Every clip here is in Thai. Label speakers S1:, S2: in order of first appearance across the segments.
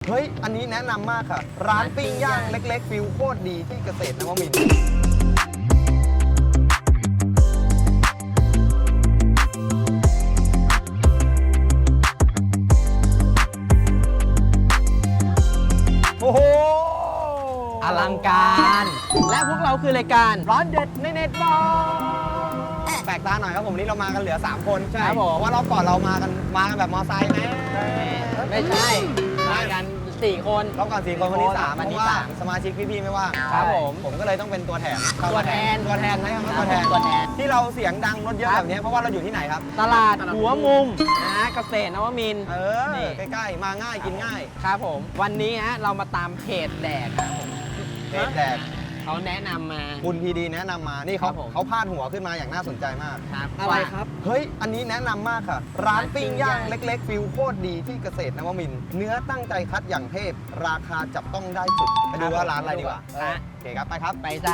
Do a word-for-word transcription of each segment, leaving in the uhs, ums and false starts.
S1: เฮ้ยอันนี้แนะนำมากค่ะร้านปิ้งย่างเล็กๆฟิลโคตรดีที่เกษตรนวมินทร์โอ้โห
S2: อลังการและพวกเราคือรายการร้อนเด็ดในเน็ตบอล
S1: แปลกตาหน่อยครับผมวันนี้เรามากันเหลือสามคน
S2: ใช่ครับผม
S1: เพราะว่ารอบก่อนเรามากันมากันแบบมอไซค์นะ
S2: ไม่ใช่มากันสี่คน
S1: รอบก่อนสี่คนวันนี้สาม
S2: วันนี้
S1: เพราะว่า
S2: สาม
S1: สมาชิกพี่ๆไม่ว่าง
S2: ครับผม
S1: ผมก็เลยต้องเป็นตัวแทน
S2: ตัวแทน
S1: ตัวแทนนะครับ
S2: ครับ
S1: ตัวแทน
S2: ตัวแทน
S1: ที่เราเสียงดังรถเยอะแบบนี้เพราะว่าเราอยู่ที่ไหนครับ
S2: ตลาดหัวมุมนะเกษตรนวมินทร์
S1: เอ
S2: นี่
S1: อใกล้ๆมาง่ายกินง่าย
S2: ครับผมวันนี้ฮะเรามาตามเพจแดกครับผม
S1: เพจแดก
S2: เขาแนะนำมา
S1: คุณพีดีแนะนำมานี่เขา
S2: ครับผม
S1: เขาพาดหัวขึ้นมาอย่างน่าสนใจมาก
S2: ครับ
S3: อะไรครับ
S1: เฮ้ยอันนี้แนะนำมากค่ะ ร้านปิ้งย่าง
S2: ร้านปิ้งย่าง
S1: เล็กๆฟิลโคตรดีที่เกษตรนวมินทร์เนื้อตั้งใจคัดอย่างเทพราคาจับต้องได้สุดไปดูว่าร้านอะไรดีกว่า
S2: ฮะ
S1: โอเคครับไปครับ
S2: ไปจ้า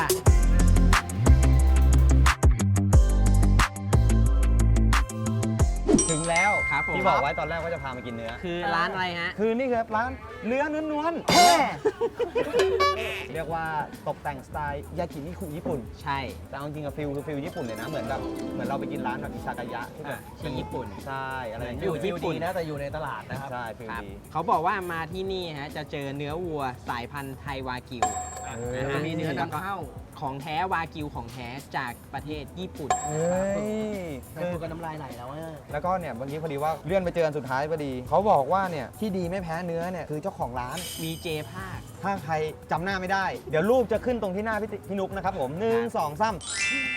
S1: ถึงแล้ว
S2: ครับผม
S1: ที่บอกไว้ตอนแรกว่าจะพามากินเนื้อ
S2: คือร้านอะไรฮะ
S1: คือนี่ครับร้านเนื้อนวลๆเรียกว่าตกแต่งสไตล์ยากินิคุญี่ปุ่น
S2: ใช่
S1: แต่เอาจริงกับฟิลคือฟิลญี่ปุ่นเลยนะเหมือนแบบเหมือนเราไปกินร้านแบบอิซากายะที่แบบ
S2: ที่ญี่ปุ่น
S1: ใช่อะไรอย่าง
S2: อ
S1: เงี้
S2: ยู่
S1: ย
S2: ญี่ปุ่น
S3: นะแต่อยู่ในตลาดนะครับ
S1: ใช่ฟิล
S2: ครับ
S1: ดี
S2: เขาบอกว่ามาที่นี่ฮะจะเจอเนื้อวัวสายพันธุ์ไทยวากิว
S1: เอ
S2: นะ
S1: อ
S2: ฮะ
S3: มีเนื้อนำเข้า
S2: ของแท้วากิวของแท้จากประเทศญี่ปุ่น
S1: เฮ้ย
S3: แต่พูดกันน้ำลายไหลแล้วอะ
S1: แล้วก็เนี่ยเมื่อกี้พอดีว่าเลื่อนไปเจอกันสุดท้ายพอดี เขาบอกว่าเนี่ยที่ดีไม่แพ้เนื้อเนี่ยคือเจ้าของร้าน
S2: มีเจภาค
S1: ถ้าใครจำหน้าไม่ได้ เดี๋ยวรูปจะขึ้นตรงที่หน้าพี่ติพี่นุกนะครับผมหนึ่งสองสาม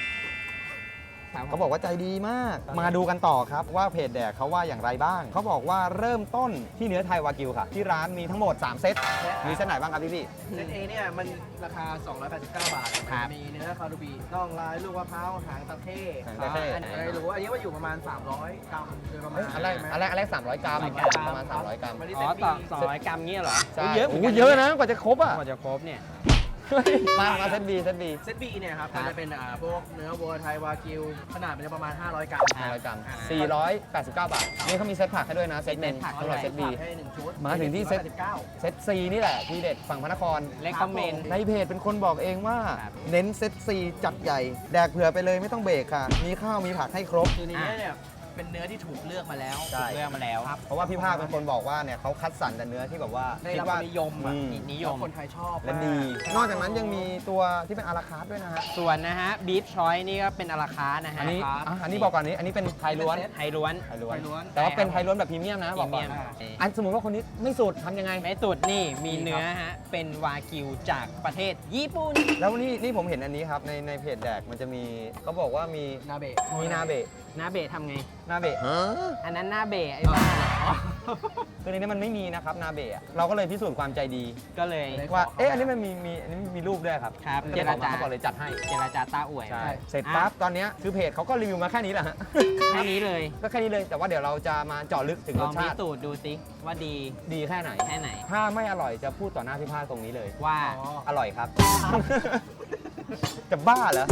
S1: เขาบอกว่าใจดีมาก มาดูกันต่อครับว่าเพจแดกเขาว่าอย่างไรบ้าง เขาบอกว่าเริ่มต้นที่เนื้อไทยวากิวค่ะ ที่ร้านมีทั้งหมด สาม เซต มีเซตไหนบ้างครับพี่พี่
S3: เซตเอเนี่ยมันราคา สองร้อยแปดสิบเก้า บาท
S2: ครับ
S3: มีเนื้อคารูบีน่องลายลูกมะพร้าวหางตะเข้
S1: หางตะเข้
S3: อันไหนรู้อันนี้ว่าอยู่ประมาณ สามร้อย กรัมโดยประมาณ
S1: อันแรกอันแรกอันแรกสามร้อยกรัม
S2: สามร้อยกรัม
S1: ประมาณสามร้อยกรัม
S3: วันนี้
S2: อ๋
S3: เซ
S2: อ
S3: ต บี
S2: ต่อสองร้อยกรัมเงี้ยเหรอ
S1: ใช่
S2: เยอะ
S1: โอ้โหเยอะนะกว่าจะครบอ่ะ
S2: กว่าจะครบเนี่ย
S1: มา มาเซตบีเซตบี
S3: เซตบีเนี่ยครับ
S2: ครั
S3: มั
S2: บ
S3: นจะเป็นอ่าพวกเนื้อวัวไทยวากิวขนาดมันจะประมาณ ห้าร้อย กรัม
S1: ห้าร้อยกรัมสี่ร้อยแปดสิบเก้า บาท นี่เขามีเซตผักให้ด้วยนะ เซตหนึ่ง
S2: เซตผัก
S1: สำหรับเซตบี
S3: ให้หนึ่งชุด
S1: มาถึงที่เซต
S3: สี่ร้อยแปดสิบเก้า
S1: เซตซีนี่แหละที่เด็ดฝั่งพระนคร
S2: เลคคอมเมนต์
S1: ในเพจเป็นคนบอกเองว่า
S2: ครับ
S1: เน้นเซตซีจัดใหญ่ แดกเผื่อไปเลยไม่ต้องเบรกค่ะ มีข้าวมีผักให้ครบ
S3: คือในเนี้ยเนี่ยเป็นเนื้อที่ถูกเลือกมาแล้ว
S1: ใช่
S2: เลือกมาแล้ว
S1: เพราะว่าพี่ภาคเป็นคนบอกว่าเนี่ยเขาคัดสรรแต่เนื้อที่แบบว่า
S3: ได้
S1: คิด
S3: รับค
S1: ว่าว
S3: ามนิยมอ่ะ
S1: อืม
S2: นิยม
S3: คนไทยชอบ
S1: และดี นอกจากนั้นยังมีตัวที่เป็นอาราคาร์ทด้วยนะฮะ
S2: ส่วนนะฮะบีฟชอยนี่ก็เป็นอาราคาร์ทนะฮะ
S1: อันนี้
S2: ครับ
S1: อ่ะอันนี้บอกก่อนนี้ อันนี้เป็นไทยล้วน
S2: ไทยล้วน
S1: ไทยล้วน
S3: ไทยล้วน
S1: แต่ว่าเป็นไทยล้วนแบบพรีเมียมนะบอกก่อน
S2: พรีเมียม
S1: อันสมมติว่าคนนี้ไม่สุดทำยังไง
S2: ไม่สุดนี่มีเนื้อฮะเป็นวากิวจากประเทศญี่ปุ่น
S1: แล้วนี่นี่ผมเห็นอันนี้ครับในในเพจแดกมันจะมีเขาบอกว่ามี
S3: นาเบะ
S1: มีนาเบะ
S2: หน้าเบะทำไง
S1: นาเบะ
S2: อันนั้นหน้าเบะไอ้บ้า
S1: คือในนี้มันไม่มีนะครับนาเบะอะเราก็เลยพิสูจน์ความใจดี
S2: ก็เลย
S1: ว่าเอ๊ะอันนี้มันมีมีอันนี้มีรูปด้วยครับ
S2: ครับ
S1: เจรจา
S2: เจรจา
S1: เขาบอกเลยจัดให้
S2: เจรจาต้าอวย
S1: ใช่เสร็จปั๊บตอนเนี้ยคือเพจเขาก็รีวิวมาแค่นี้แหละฮะ
S2: แค่นี้เลย
S1: ก็แค่นี้เลยแต่ว่าเดี๋ยวเราจะมาเจาะลึกถึง
S2: ล
S1: ร
S2: อ
S1: ส
S2: งพิ
S1: ชาติ
S2: สูจน์ดูสิว่าดี
S1: ดีแค่ไหน
S2: แค่ไหน
S1: ถ้าไม่อร่อยจะพูดต่อหน้าพี่ภาคตรงนี้เลย
S2: ว่า
S1: อร่อยครับ จะบ้าเหรอ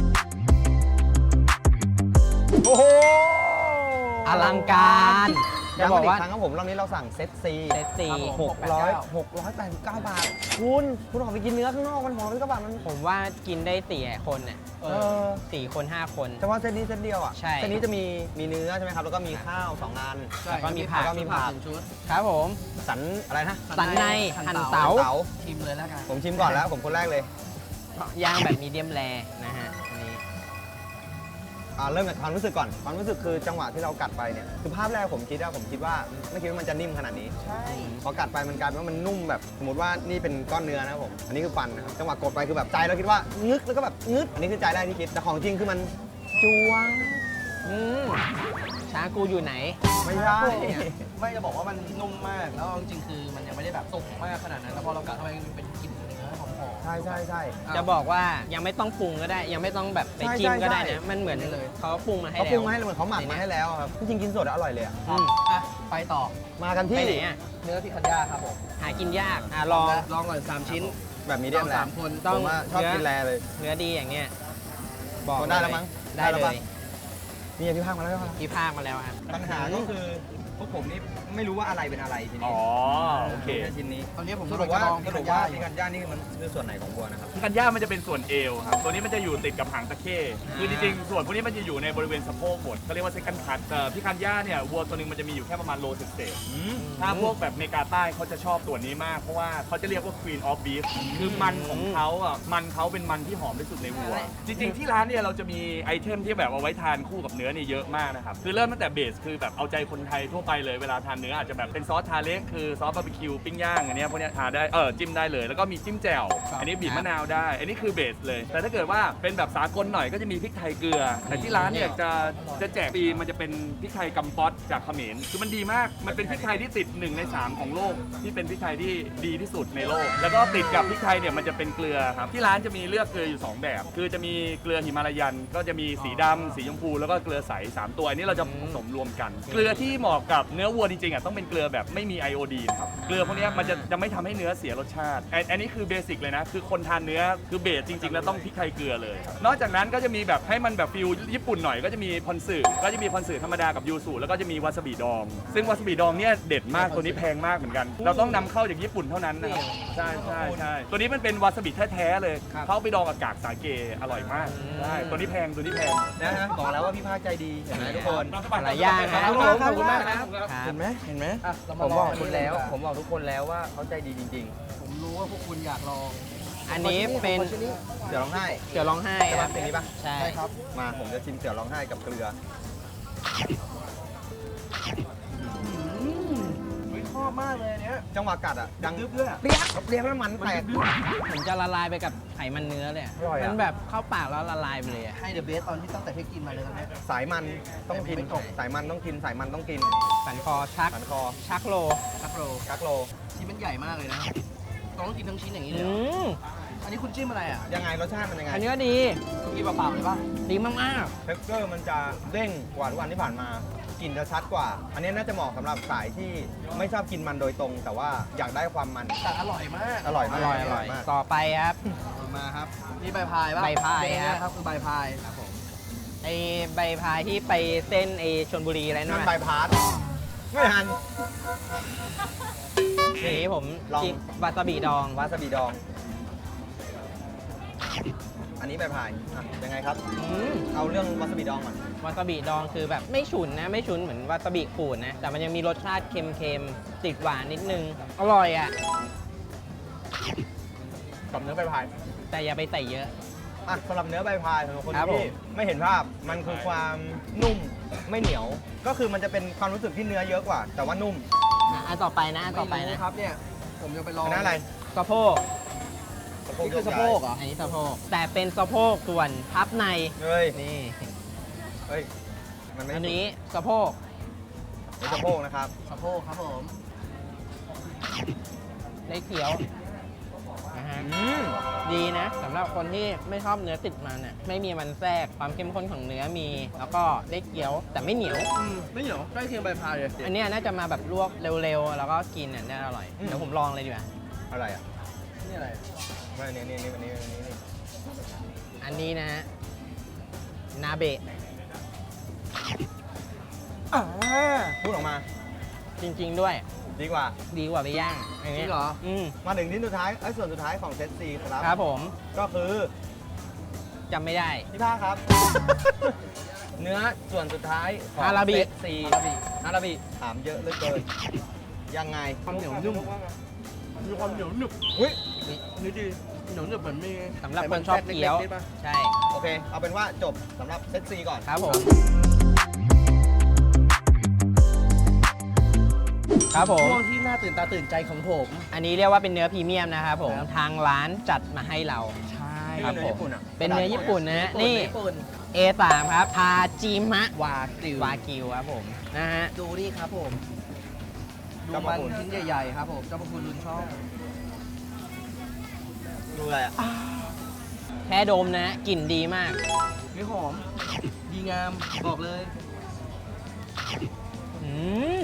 S1: โอ้โห
S2: อลังการจะ
S1: จะ
S2: บบ อ
S1: อก ก
S2: ว่า
S1: ว่าครั้งครับผมรอบนี้เราสั่งเซตซี
S2: เซตซี
S1: หกร้อยหกร้อยแปดสิบเก้าบาท คุณคุณออกไปกินเนื้อข้างนอกมันหอมด้วยกระบาดมัน
S2: ผมว่ากินได้สี่คนน่ะ
S1: เออ
S2: สี่คนห้าคน
S1: แต่ว่าเซตนี้เซตเดียวอ่ะ
S2: ใช่
S1: เซตนี้จะมีมีเนื้อใช่ไหมครับแล้วก็มีข้าวสองอัน
S2: แล้วก็มีผัก
S1: แล้วก็มีผัก
S3: หนึ่งชุด
S2: ครับผม
S1: สันอะไรนะ
S2: สันใน
S3: หั่
S2: หั่น
S3: น
S2: เต๋า
S3: เต๋า
S1: เต๋า
S3: ชิมเลยแล้วกัน
S1: ผมชิมก่อนแล้วผมคนแรกเลย
S2: ย่างแบบมีเดียมแรนะฮะอันนี้
S1: อ่าเริ่มจากความรู้สึกก่อนความรู้สึกคือจังหวะที่เรากัดไปเนี่ยคือภาพแรกผมคิดว่าผมคิดว่าไม่คิดว่ามันจะนิ่มขนาดนี้
S3: ใช่
S1: พอกัดไปมันกลายเป็นว่ามันนุ่มแบบสมมติว่านี่เป็นก้อนเนื้อนะครับผมอันนี้คือฟันนะครับจังหวะกดไปคือแบบใจเราคิดว่างึกแล้วก็แบบงึดอันนี้คือใจแรกที่คิดแต่ของจริงคือมันจวง
S2: อืมชากูอยู่ไหน
S1: ไม่ใช่
S3: ไม่จะบอกว่ามันนุ่มมาก แล้วจริงๆคือมันยังไม่ได้แบบสุกมากขนาดนั้น แล้วพอเรากัดเข้าไปมันเป็นกลิ่นเนื้อหอมๆ
S1: ใช่ใช่ใช่
S2: จะบอกว่ายังไม่ต้องปรุงก็ได้ ยังไม่ต้องแบบไป
S1: ใช่
S2: จิ้มก็ได้
S1: ใช่
S2: นะ มันเหมือน
S3: ได้เลย
S2: เขาปรุงมาให้
S1: เขา
S2: แล้ว
S1: ปรุงมาให้เหมือนเขาหมักมาให้แล้วอะครับจริงๆกินสดอะอร่อยเลยอะ
S2: อืม
S3: อ่ะไปต่อ
S1: มากัน
S2: ไป
S1: ที่
S2: ไหนอ่ะ
S3: เนื้อพิคันย่าครับผม
S2: หากินยากอ่ะลอง
S3: ลองก่อนสามชิ้น
S1: แบบมีเดียม
S3: เรา
S1: แล
S3: สามคน
S2: ต้
S1: ผ
S2: อง
S1: มว่าชอบกินแลเลย
S2: เนื้อดีอย่างเงี้ย
S1: พอได้แล้วมั้ง
S2: ได้
S1: ได้แล้ว
S2: เล
S1: ปะ
S2: ย
S1: นี่พี่ภาคมาแล้วใช่ปะ
S2: พี่ภาคมาแล้วครับ
S1: ปัญหาก็คือพวกผมนี่ไม่รู้ว่าอะไรเป็นอะไรที
S4: อ๋
S1: นี้
S4: อโอเค
S1: ชิ้นนี้
S3: ตอนนี้ผม
S1: ส
S3: กำ
S1: รุ
S3: ลั
S1: ป
S3: งจะ
S1: ว่า
S3: ลอง
S1: สรุปว่าพิคันย่านี่มันคือส่วนไหนของวัวนะครับ
S4: พิคันย่ามันจะเป็นส่วนเอวครับตัวนี้มันจะอยู่ติดกับหางตะเข้คือจริงๆส่วนพวกนี้มันจะอยู่ในบริเวณสะโพกหมดเขาเรียกว่าเซคันด์คัทแต่พิคันย่าเนี่ยวัวตัวหนึงมันจะมีอยู่แค่ประมาณโลเศษๆถ้าพวกแบบเมกาใต้เขาจะชอบตัวนี้มากเพราะว่าเขาจะเรียกว่า Queen of Beef คือมันของเขาอ่ะมันเขาเป็นมันที่หอมที่สุดในวัว จริงๆที่ร้านเนี่ยเราจะมีไอเทมที่แบบเอาไว้ทานคู่กับเนื้อเนี่ยเยอะมากนะครับคือเริ่มตั้งแต่เบสคือแบบเอาใจคนไทยทั่วไปเลยเวลาทานเนื้ออาจจะแบบเป็นซอสทาเล็กคือซอสบาร์บีคิวปิ้งย่างอันเนี้ยพวกเนี้ยทานได้เออจิ้มได้เลยแล้วก็มีจิ้มแจ่วอันนี้บีบมะนาวได้ อันนี้คือเบสเลย แต่ถ้าเกิดว่าเป็นแบบสากลหน่อยก็จะมีพริกไทยเกลือ แต่ที่ร้านเนี่ยจะจะแจกฟรีมันจะเป็นพริกไทยกัมป๊อตจากเขมรคือมันดีมากมันเป็นพริกไทยที่ติดหนึ่งในสามของโลกที่เป็นพริกไทยที่ดีที่สุดในโลก แล้วก็ติดกับพริกไทยเนี่ยมันจะเป็นเกลือครับที่ร้านจะมีเลือกเกลืออยู่สองแบบ คือจะมีเกลือหิมาลายันก็จะมีสีดำสีชมพูแล้วก็เกลือใสสามตัวอันนี้เราจะผสมรวมกัน เกลือที่เหมาะกับเนื้อวัวจริงๆอ่ะต้องเป็นเกลือแบบไม่มีไอโอดีนครับเกลือพวกเนี้ยมันจะจะไม่ทำให้เนื้อเสียรสชาติอันอันนี้คือเบสิกเลยนะคือคนทานเนื้อคือเบสจริงๆแล้วต้องพริกไทยเกลือเลย นอกจากนั้นก็จะมีแบบให้มันแบบฟิลญี่ปุ่นหน่อยก็จะมีพอนสึก็จะมีพอนสึธรรมดากับยูสุแล้วก็จะมีวาซาบิดองซึ่งวาซาบิดองเนี่ยเด็ดมากตัวนี้แพงมากเหมือนกัน เราต้องนำเข้าจากญี่ปุ่นเท่านั้นนะครับใช่ใช่ใช่ตัวนี้มันเป็นวาซาบิแท้ๆเลยเขาเอาไปดองกับกากสาเกอร่อยมากใช่ตัวนี้แพงตัวนี้แพง
S1: นะฮะบอกแล้วว่าพี่ภาคใจดีเห็นไหมทุกคน
S2: หลายอย่างนะ
S1: ขอบคุณมากครับขอบคุณมากครับ
S2: ครับ
S1: เห็นไหมเห็นไหม
S3: อ่ะเรา
S1: ผม
S3: มา
S1: บอก
S3: ลง
S1: คุณแล้ว ผมบอกทุกคนแล้วว่าเขาใจดีจริง
S3: ผมรู้ว่าพวกคุณอยากลอง
S2: อันนี้เป็น
S3: ขอชิ้นนี้
S1: ๆ เสือร้องไห้
S2: เสือร้องไห้
S1: ใช่
S2: ค
S1: ปะ
S2: รับ
S1: เป็นนี้ปะ
S2: ใช่
S3: ใช่ครับ
S1: มาผมจะชิมเสือร้องไห้กับเกลือ
S3: ไม่ชอบมากเลยอันเนี้ย
S1: จังหวะกัดอ่ะดัง
S3: ดึ๊บด้วยอะ
S1: เปรี้ยเปรี้ยแล้วมันแตก
S2: ผมจะละลายไปกับไขมันเนื้อเลยอะ
S1: อร่อยอะ
S2: มันแบบเข้าปากแล้วละลายไปเลยอะ
S3: ให้เดอะเบสตอนที่ตั้งแต่ที่กินมาเลยตอนเนี้ย
S1: สายมันต้องกิน
S3: ไม่ตก
S1: สายมันต้องกินสายมันต้องกิน
S2: สันคอชัก
S1: สันคอ
S2: ชักโล
S3: ครับโร
S1: กักโล
S3: ชิ้นมันใหญ่มากเลยนะต้องกินทั้งชิ้นอย่างนี้เลย
S2: อื
S3: เหรอ
S2: ม
S3: อันนี้คุณจิ้มอะไรอ่ะ
S1: ยังไงรสชาติมันยังไง
S2: อันนี้ก็ดี
S3: กินเปล่าๆเลยป่ะ
S2: ดีมาก
S1: เท็กเจอร์มันจะเด้งกว่าทุกวันที่ผ่านมากลิ่นจะชัดกว่า อันนี้น่าจะเหมาะสำหรับสายที่ไม่ชอบกินมันโดยตรง แต่ว่าอยากได้ความมัน
S3: แต่อร่อยมาก
S1: อร่อย
S2: ๆ อ
S1: มาก
S2: ร่อยอร่อย
S1: มาก
S2: ต่อไปครับ
S3: มาครับนี่ใบพายป่ะ
S2: ใบพาย
S3: เด้ง
S2: ฮะ
S3: นะครับคือใบพายครับผม
S2: ไอใบพายที่ไปเส้นไอชลบุรีอะไรนั่
S1: นั่
S2: น
S1: น
S2: น่ะ
S1: ใบพาสไม่ทัน
S2: ทีนี้ผม
S1: ลอง
S2: จิ้มวาซาบิดอง
S1: วาซาบิดอง อันนี้ใบพายอ่ะยังไงครับ
S2: อืม
S1: เอาเรื่องวาซาบิดองก่อน
S2: วาซาบิดองคือแบบไม่ฉุนนะ ไม่ฉุนเหมือนวาซาบิขูดนะ แต่มันยังมีรสชาติเค็มๆ ติดหวานนิดนึง อร่อยอ่ะ
S1: กับเนื้อใบพาย
S2: แต่อย่าไปใส่เยอะ
S1: อ่ะสำหรับเนื้อใบพายสำหรับคน
S2: ครับผ
S1: ที่
S2: ม
S1: ไม่เห็นภาพ มันคือความนุ่มไม่เหนียว ก็คือมันจะเป็นความรู้สึกที่เนื้อเยอะกว่า แต่ว่านุ่ม
S2: อ่ะอันต่อไปนะอันต่อไป
S3: ไม่
S2: นะ
S3: รู้ครับเนี่ยผมจะไปลอง
S1: อันนั้นอะไร
S2: สะโพก
S3: นี่คือสะโพกเหรอ
S2: อันนี้สะโพก แต่เป็นสะโพกส่วนพับใน
S1: เฮ้ย
S2: นี่
S1: เฮ้ย มันไม่
S2: อันนี้สะโพก
S1: เป็นสะโพกนะครับ
S3: สะโพกครับผม
S2: ได้เคี้ยวนะฮะ
S1: อืม
S2: ดีนะสำหรับคนที่ไม่ชอบเนื้อติดมันอ่ะไม่มีมันแทรกความเข้มข้นของเนื้อมี แล้วก็ได้เคี้ยวแต่ไม่เหนียว
S3: อืมไม่เหนียวใกล้เคียงใบพายเลย
S2: อันเนี้ยน่าจะมาแบบลวกเร็วๆ แล้วก็กินอ่ะน่าอร่อย เดี๋ยวผมลองเลยดีกว่า
S1: อะไรอ่ะ
S3: นี่อะไร
S1: ไม่อันนี้นี่นี่อันนี้อันนี้นี่
S2: อันนี้นะฮะนาเบะ
S1: อ่าพูดออกมา
S2: จริงๆด้วย
S1: ดีกว่า
S2: ดีกว่าไปย่างอัน
S3: จ
S2: นี้
S3: ริงเหรอ
S2: อืม
S1: มาถึงที่สุดท้ายไอ้ยส่วนสุดท้ายของเซตซีครับ
S2: ครับผม
S1: ก็คือ
S2: จำไม่ได้
S1: พี่ภาคครับ เนื้อส่วนสุดท้ายของ
S2: อาราบิ
S1: เซตซีอาราบิถามเยอะเหลือเกิน ยังไง
S3: ความเหนียวนุ่มมีความเหนียวหนึบ
S1: เฮ้ย
S3: นี่ดีเหนียวหนึบเหมือนมี
S2: สำหรับคนชอบเคี้ยว
S3: ไขมันแทรกเล็กๆนิดป่ะ
S2: ใช่
S1: โอเค เอาเป็นว่าจบสำหรับเซตซีก่อน
S2: ครับผม ครับผม
S3: ช่วงที่น่าตื่นตาตื่นใจของผม
S2: อันนี้เรียกว่าเป็นเนื้อพรีเมียมนะครับผม
S3: ครับ
S2: ทางร้านจัดมาให้เรา
S3: ใช่
S2: ครับ
S1: เนื้อญี่ปุ่นอ่ะ
S2: เป็นเนื้อญี่ปุ่นนะฮะนี่
S3: ญี่ปุ่น
S2: เอ สาม ครับทาจิมะ
S3: วากิว
S2: วากิวครับผม นะฮะ
S3: ดูนี่ครับผม ดู
S1: เจ้าพ
S3: มั
S1: ระ
S3: น
S1: คุณ
S3: ชิ้นใหญ่ๆครับผมเจ้าพระคุณลุนชอบ
S1: ดูอะไรอ่ะ
S2: แค่ดมนะกลิ่นดีมาก
S3: นี่หอม ดีงาม บอกเลย
S2: อืม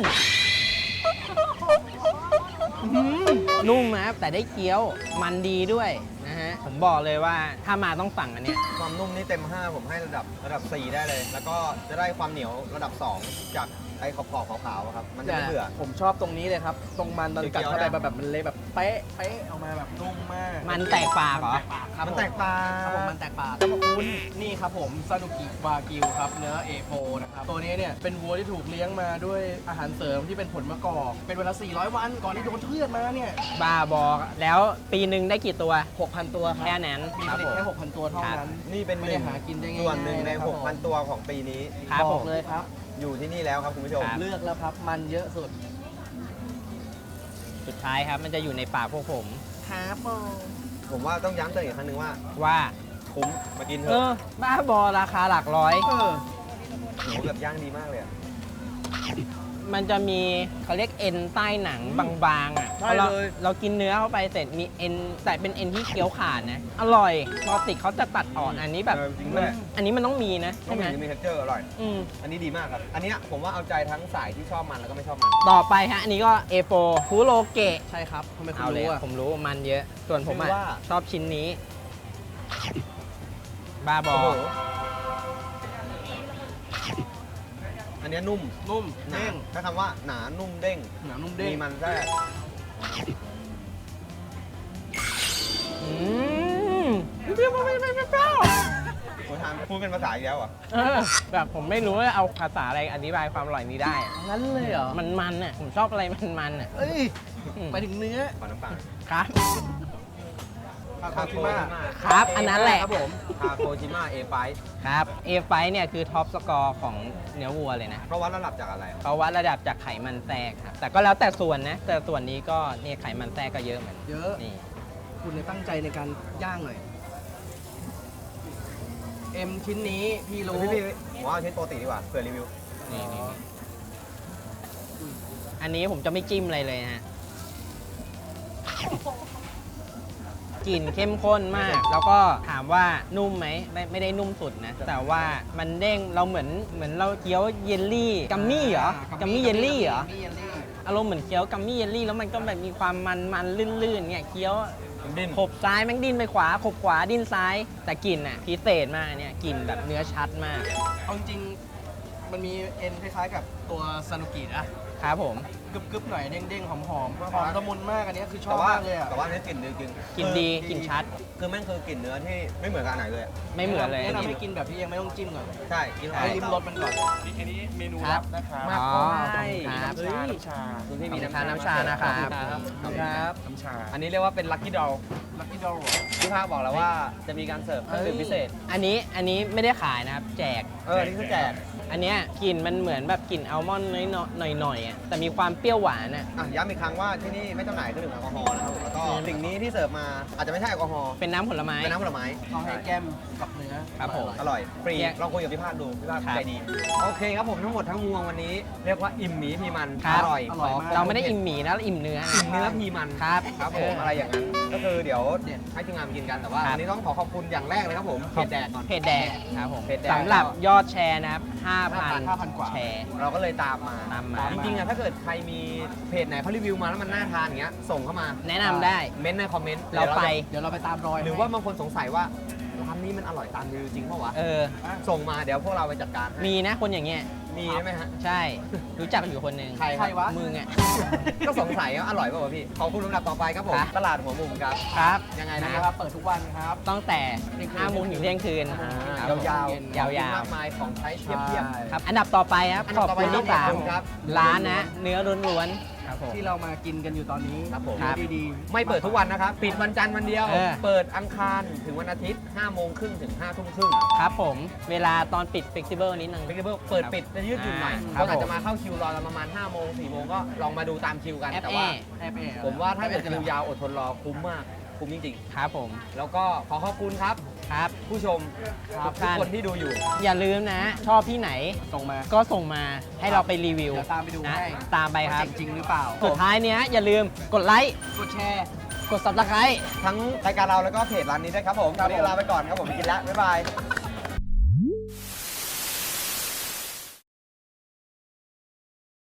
S2: อืมนุ่มนะครับแต่ได้เคี้ยวมันดีด้วยนะฮะ ผมบอกเลยว่าถ้ามาต้องสั่งอันเนี้ย
S1: ความนุ่มนี่เต็มห้าผมให้ระดับระดับสี่ได้เลย แล้วก็จะได้ความเหนียวระดับสองจากไออ้ขอบขอบขาวๆอะครับ มันจะไม่เบื่อ
S3: ผมชอบตรงนี้เลยครับ ตรงมันตอนกัดเข้าไป
S1: เคี้ยวๆนะ
S3: แบบมันเละแบบเป๊ะเป๊ะออกมาแบบนุ่มมาก
S2: มันแตกปากเหรอ
S3: ครับ
S1: มันแตกปลา
S3: ครับผมมันแตกปากครับคุณนี่ครับผมซานุกิวากิวครับเนื้อ เอ โฟ นะครับตัวนี้เนี่ยเป็นวัวที่ถูกเลี้ยงมาด้วยอาหารเสริมที่เป็นผลมะกอกเป็นเวลาสี่ร้อยวันก่อนที่โดนเชือดมาเนี่ย
S2: บ้าบอกแล้วปีหนึ่งได้กี่ตัว
S3: หกพันตัวครับ
S2: แค่นั้น
S3: มีผลิตแค่หกพันตัวเท่านั้น
S1: นี่เป็น
S3: ไม่
S1: ห
S3: ได้
S1: นึ่ง
S3: หากินได้ง่ายๆ
S1: ส่วนหนึ่งใน
S3: นะครับผม
S1: หกพัน ตัวของปีนี้
S2: ครับ
S3: บ
S2: ผ
S3: อก
S2: ม
S3: เลยครับ
S1: อยู่ที่นี่แล้วครับคุณผู้ชม
S2: ครับ
S3: เลือกแล้วครับมันเยอะสุด
S2: สุดท้ายครับมันจะอยู่ในปากพวกผม
S3: ครับผม
S1: ผมว่าต้องย้ำเตือนอีกครั้งหนึ่งว่า
S2: ว่า
S1: คุ้มมากินเถ
S2: เอ
S1: อะ
S2: อ บ้าบอราคาหลักร้อย
S3: เออ
S1: หมูแบบย่างดีมากเลยอะ
S2: มันจะมีเขาเรียกเอ็นใต้หนังบางๆอ่ะ
S3: ใช่
S2: พอเรา
S3: เลย
S2: เรากินเนื้อเข้าไปเสร็จมีเอ็นแต่เป็นเอ็นที่เคี้ยวขาดนะ อร่อยปกติเขาจะตัดอ่อนอันนี้แบบ
S1: เออจริง
S2: มั
S1: ด้วย
S2: อันนี้มันต้องมีนะ
S1: ต้อ
S2: ใช่
S1: ง
S2: ไหม
S1: มีมีเทคเจอร์อร่อย
S2: อืม
S1: อันนี้ดีมากครับ อันเนี้ยผมว่าเอาใจทั้งสายที่ชอบมันแล้วก็ไม่ชอบมัน
S2: ต่อไปฮะ อันนี้ก็ เอ โฟ คุโรเกะ
S3: ใช่ครับทำไมคุณ
S2: เอาเลย
S3: รู้
S2: อะ
S3: อ่ะ
S2: ผมรู้มันเยอะ ส่วนผมอะ
S1: ชื่อว่า
S2: ชอบชิ้นนี้ บ้าบอ
S1: โอ้โหอันเนี้ยนุ่ม
S3: นุ่ม
S1: หนา
S3: เด้ง
S1: ถ้าคำว่าหนานุ่มเด้ง
S3: หนานุ่มเด้ง
S1: มีมันแทรก
S2: อืมเปรี้ยวไม่ไม่ไม่เปรี้ยว
S1: คุณทานพูดเป็นภาษาอีกแล้วเหรอ่ะ
S2: เออแบบผมไม่รู้ว่าเอาภาษาอะไรอธิบายความอร่อยนี้ได้อะ
S3: งั้นเลยเหรอ
S2: มันมันอ่ะผมชอบอะไรมันมันอ่ะ
S3: เอ้ย
S2: อืม
S3: ไปถึงเนื้อ
S1: ขอน้ำตาล
S2: ครับ
S3: คาโคชิมะ
S2: ครับอันนั้นแหละ
S3: ครับผม
S1: คาโคจิมะเอไฟ
S2: ครับ เอ ไฟ เนี่ยคือท็อปสกอร์ของเนื้อวัวเลยนะ
S1: เพราะวัดระดับจากอะไร
S2: เขาวัดระดับจากไขมันแทรกครับ แต่ก็แล้วแต่ส่วนนะ แต่ส่วนนี้ก็เนี่ยไขมันแทรกก็เยอะเหมือน
S3: เยอะ
S2: นี่
S3: คุณเนี่ยตั้งใจในการย่างหน่อย เอ็มชิ้นนี้พี่รู้
S1: พี่พี่ผมว่าเอาชิ้นปกติดีกว่าเผื่อรีวิว
S2: นี่นี่นี่อันนี้ผมจะไม่จิ้มอะไรเลยฮะกลิ่นเข้มข้นมาก แล้วก็ถามว่านุ่มไหมไม่ไม่ได้นุ่มสุดนะ แต่ว่ามันเด้งเราเหมือนเหมือนเราเคี้ยวเยลลี่กัมมี่เหรอกัมมี่เยลลี่เหรอ
S3: กัมมี่เยลลี่
S2: อารมณ์เหมือนเคี้ยวกัมมี่เยลลี่แล้วมันก็แบบมีความมันมันลื่นๆเนี่ยเคี้ยว
S1: ดิ้น
S2: ขบซ้ายแม่งดิ้นไปขวาขบขวาดิ้นซ้าย แต่กลิ่นอ่ะพิเศษมากเนี่ยกลิ่นแบบเนื้อชัดมาก
S3: เอาจริงๆมันมีเอ็นคล้ายๆกับตัวซานุกินะครับ
S2: ผม
S3: กรึบๆหน่อยเด้งๆหอมๆหอมละมุนมากอันนี้คือชอ
S1: แต่
S3: บ
S1: ว่าม
S3: ากเลยอ่ะ
S1: แต่ว่าเนื้อกลิ่นดีจริง
S2: กลิ่นดี
S1: คือก
S2: ลิ่นชัด
S1: คือแม่งคือกลิ่นเนื้อที่ไม่เหมือนกับอันไหนเลยอะ
S2: ไม่เหมือนเลย
S3: แนะ
S2: อัน
S3: นำ
S2: นี้
S3: ให้กินแบบที่ยังไม่ต้องจิ้มก่อน
S1: ใช่กิน
S3: ให้ริมรสมันก่อน
S4: นี่อันนี้เมนู
S2: ครั
S4: ลั
S2: บบ
S4: นะครับ
S2: อ๋อ
S1: ใช่
S2: ครับ
S1: เฮ้ย
S4: น้ำชา
S1: คุณพี่มี
S2: ขอบคุณ
S1: น้ำ
S2: ครับน้ำชานะครับ
S1: ครับ
S3: ครับ
S4: น้ำชา
S1: อันนี้เรียกว่าเป็นลัคกี้ดอล
S3: ลักกี้ดอล
S1: พี่ภาคบอกแล้วว่าจะมีการเสิร์ฟเครื่องดื่มพิเศษ
S2: อันนี้อันนี้ไม่ได้ขายนะครับ แจก
S1: เอออันนี่คือแจก
S2: อันเนี้ยกลิ่นมันเหมือนแบบกลิ่นอัลมอนด์น้อยๆหน่อยๆอ่ะแต่มีความเปรี้ยวหวานอ่ะ
S1: อ่ะย้ำอีกครั้งว่าที่นี่ไม่จำหน่ายเครื่องดื่มแอลกอฮอล์นะครับแล้วก็สิ่งนี้ที่เสิร์ฟมาอาจจะไม่ใช่แอลกอฮอล์
S2: เป็นน้ำผลไม้
S1: เป็นน้ำผลไม้
S3: เขาให้แก้มกับเนื้อ
S2: ครับผม
S1: อร่อยฟรี
S2: แยก
S1: ลองคุยกับพี่ภาคดูพี่ภาค
S2: ครับ
S1: ใจดีโอเคครับผมทั้งหมดทั้งมวลวันนี้ เรียกว่าอิ่มหมีพีมัน
S2: ครับ
S1: อร่อย
S3: อร่อยมาก
S2: เราไม่ได้อิ่มหมีนะเราอิ่มเนื้อ
S1: อิ่มเนื้อพีมัน
S2: ครับ
S1: ครับผม
S2: เอออ
S1: อะไรอย่างนั้นก็คือเดี๋ยวให้ทีมงานมากินกันแต่ว่า
S2: ครับ
S1: วันนี้ต้องขอขอบคุณอย่างแรกเลยครับผมเพจแดกก่อน
S2: เพจแดกครับผม
S1: เพจแดก
S2: สำหรับยอดแชร์นะครับ
S3: ห้า
S2: ห้า
S3: พันกว่า
S2: พันแชร์
S1: เราก็เลยตามมา
S2: ตามมา
S1: จริงๆอะถ้าเกิดใครมีเพจไหนเขารีวิวมาแล้วมันน่าทานอย่างเงี้ยส่งเข้ามา
S2: แนะนำได้
S1: เม้นต์ในคอมเมนต์
S2: เราไป
S3: เดี๋ยวเราไปตามรอย
S1: หรือว่าบางคนสงสัยว่าร้านนี้มันอร่อยตามรีวิวจริงเปล่าวะ
S2: เออ
S1: ส่งมาเดี๋ยวพวกเราไปจัดการให้
S2: มีนะคนอย่างเงี้ย
S1: มีใช่ไหมฮะ
S2: ใช่ รู้จักอยู่คนหนึ่ง
S1: ใคร
S3: ใครวะ
S2: มึงอ่ะ
S1: ก็สงสัยว่าอร่อยเปล่าวะพี่ขอบคุณลำดับต่อไปครับผม
S2: ครับ
S1: ตลาดหัวมุมครับ
S2: ครับ
S1: ยังไง
S3: นะ
S1: นะ
S3: ครับ เปิดทุกวันครับ
S2: ตั้งแต่ห้าโมงถึงเที่ยงคืนครับผม
S1: ยาวๆ
S2: ยาวๆ
S1: ของกินมากมายของใช้เทียบเทียบ
S3: ใช่
S2: ครับ อันดับต่อไปครับ
S1: อัน
S2: ข
S1: ดั
S2: อ
S1: บบ ต่อไป
S2: คุณที่สาม
S1: ขอบคุณครับ
S2: ร้านนะ เนื้อล้วนๆครับผม
S3: ที่เรามากินกันอยู่ตอนนี้
S1: ครับผม
S2: ครับ
S3: ดี
S1: ไม่เปิดทุกวันนะครับ ปิดวันจันทร์วันเดียว
S2: เออ
S1: เปิดอังคารถึงวันอาทิตย์ห้าโมงครึ่งถึงห้าทุ่มครึ่ง
S2: ครับผม เวลาตอนปิด flexible นิดนึง
S1: เเปิดปิดจะยืดหยุ่นหน่อย
S2: ครั
S1: ก็
S2: บ
S1: อาจจะมาเข้าคิวรอกันประมาณห้าโมงสี่โมงก็ลองมาดูตามคิวกัน
S2: แอป
S1: แต่
S2: แอ
S1: ว่า
S2: ร์
S3: ๆแอบๆ
S1: ผมว่าถ้าเกิดคิวยาวอดทนรอคุ้มมาก คุ้มจริง
S2: ครับผม
S1: ๆ แล้วก็ขอขอบคุณครับ
S2: ครับ
S1: ผู้ชม
S2: ครับ
S1: ทุกคนที่ดูอยู่
S2: อย่าลืมนะ ชอบที่ไหน
S3: ส่งมา
S2: ก็ส่งมาให้เราไปรีวิว
S3: เดี๋ยวตามไปดู
S2: นะ
S3: ให้
S2: ตามไปครับ
S3: ว่าเจ๋งจริงหรือเปล่า
S2: สุดท้ายเนี้ยอย่าลืมกดไลค์
S3: กดแชร์
S2: กด subscribe
S1: ทั้งรายการเราแล้วก็เพจร้านนี้ด้วยครับผม
S3: ครั
S1: วั
S3: บ
S1: นนี้
S3: ผม
S1: ลาไปก่อนครับผมไปกินแล้ว บ๊ายบาย